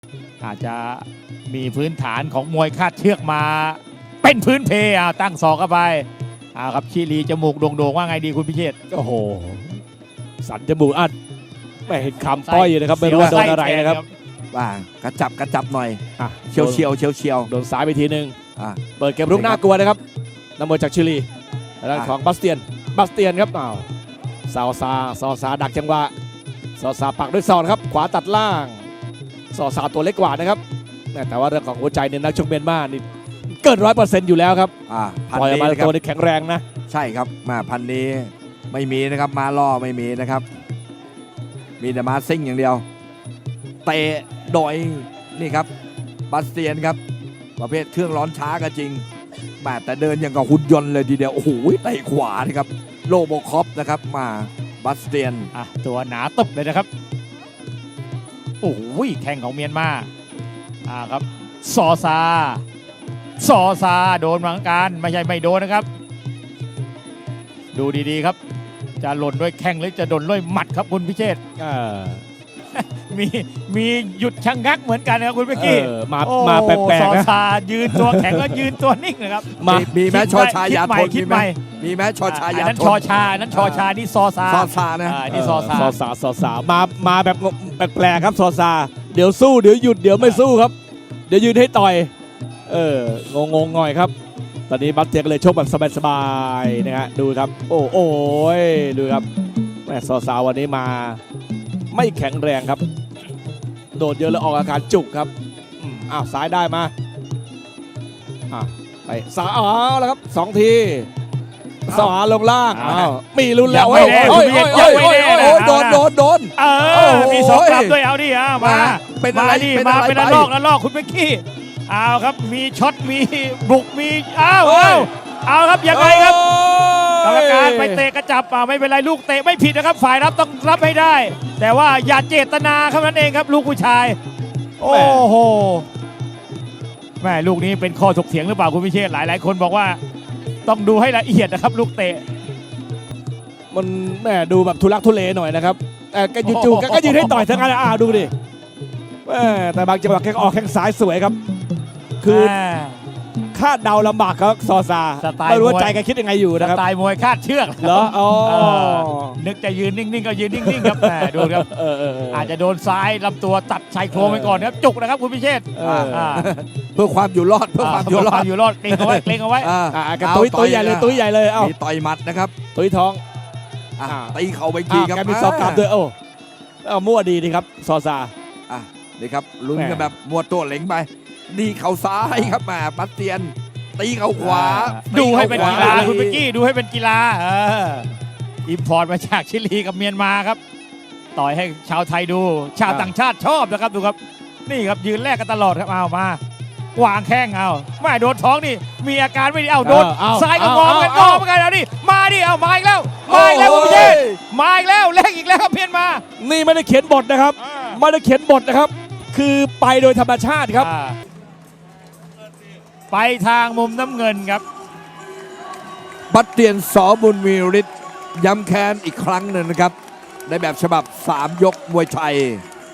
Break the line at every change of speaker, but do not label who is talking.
อาจจะมีพื้นฐานของมวยคาดเชือกมาเป็นพื้นเพตั้งศอกเข้าไปครับชิลีจมูกโด่งๆว่าไงดีคุณพิเชษฐ์
โอ้โหสันจมูกอัดไม่เห็นคำป้อยอยู่นะครับไม่รู้ว่าโดนอะไรนะครับ
ว่ากระจับหน่อยเฉียว
โดนซ้ายไปทีนึงเปิดเกมรุกน่ากลัวนะครับนักมวยจากชิลีด้านของบาสเตียนครับซอซาดักจังหวะซอซาปักด้วยศอกครับขวาตัดล่างซอซาตัวเล็กกว่านะครับแต่ว่าเรื่องของหัวใจเนี่ยนักชกเมียนมานี่เกิน100%อยู่แล้วครับปล่อยมาตัวนี้แข็งแรงนะ
ใช่ครับมาพันนี้ไม่มีนะครับมาล่อไม่มีนะครับมีแต่มาซิ่งอย่างเดียวเตะโดยนี่ครับบาสเตียนครับประเภทเครื่องร้อนช้าก็จริงแต่เดินอย่างกับหุ่นยนต์เลยทีเดียวโอ้โหเตะขวานะครับโลโบคอปนะครับมาบาสเตียน
ตัวหนาตึบเลยนะครับโอ้โหแข่งของเมียนมาครับซอซาโดนเหมือนกันไม่ใช่ไม่โดนนะครับดูดีๆครับจะหล่นด้วยแข้งหรือจะโดนด้วยหมัดครับคุณพิเชษฐ์มีหยุดชะงักเหมือนกันนะครับคุณเมื่อกี้
มาแปลกๆ
ซอซายืนตัวแข็งแล้วยืนตัวนิ่งนะครับ
มีแม้ชอชายาทนมีแม้ชอชายาทน
นั้นชอชานี่ซอซา
นะ
นี่ซอซา
มาแบบแปลกๆครับซอซาเดี๋ยวสู้เดี๋ยวหยุดเดี๋ยวไม่สู้ครับเดี๋ยวยืนให้ต่อยงงหน่อยครับตอนนี้บัตเตียก็เลยชกแบบสบายๆนะฮะดูครับโอ้ยดูครับแม่ซอซาวันนี้มาไม่แข็งแรงครับโดดเยอะแล้วออกอาการจุกครับซ้ายได้มาไปซ้ายแล้วครับ2 ทีสวาลงล่างมีลุ้นแล้วโดน
มี2 กลับด้วยเอาดิมาเป็นอะไรมาเป็นระลอกคุณเมื่อกี้เอาครับมีช็อตมีบุกมีเอาครับยังไงครับกรรมการไปเตะกระจับไม่เป็นไรลูกเตะไม่ผิดนะครับฝ่ายรับต้องรับให้ได้แต่ว่าอย่าเจตนาเท่านั้นเองครับลูกผู้ชายโอ้โหแม่ลูกนี้เป็นข้อถกเถียงหรือเปล่าคุณพิเชษฐ์หลายคนบอกว่าต้องดูให้ละเอียดนะครับลูกเตะ
มันแม่ดูแบบทุลักทุเลหน่อยนะครับแต่จู่ๆก็ยืนให้ต่อยทั้งนั้นดูดิแต่บางจังหวะแกออกแข้งซ้ายสวยครับคือคาดเดาลำบากครับซอซาไม่รู้ว่าใจแกคิดยังไงอยู่นะครับ
สไตล์มวยคาดเชือก
เหรอ
นึกจะยืนนิ่งๆก็ยืนนิ่งๆครับดูครับอาจจะโดนซ้ายลำตัวตัดชายโครงไปก่อนครับจุกนะครับคุณพิเชษฐ์
เพื่อความอยู่รอดเก
รงเอาไว้
ตุ้ยใหญ่เลย
มีต่อยหมัดนะครับ
ตุ้ยท้อง
ตีเข่าไปทีครับ
แกมีซอกกลับด้วยมั่วดีครับซอซา
นี่ครับลุ้นกันแบบมัวตัวเหล็งไปดีเข่าซ้ายครับมาบัสเตียนตีเข่าขวา
ดูให้เป็นกีฬาคุณเมื่อกี้ดูให้เป็นกีฬาอิมพอร์ตมาจากชิลีกับเมียนมาครับต่อยให้ชาวไทยดูชาวต่างชาติชอบนะครับดูครับนี่ครับยืนแลกกันตลอดครับมาวางแข้งไม่โดนท้องนี่มีอาการไม่ดีโดนซ้ายก็งอเหมือนกันเอาดิมาดิมาอีกแล้วคุณพิเชษมาอีกแล้วแลกอีกแล้วครับเมียนมา
นี่ไม่ได้เขียนบทนะครับไม่ได้เขียนบทนะครับคือไปโดยธรรมชาติครับ
ไปทางมุมน้ำเงินครับ
บัตเตียนสบุญมีฤทธิ์ย้ำแค้นอีกครั้งหนึ่งนะครับในแบบฉบับ3 ยกมวยไทย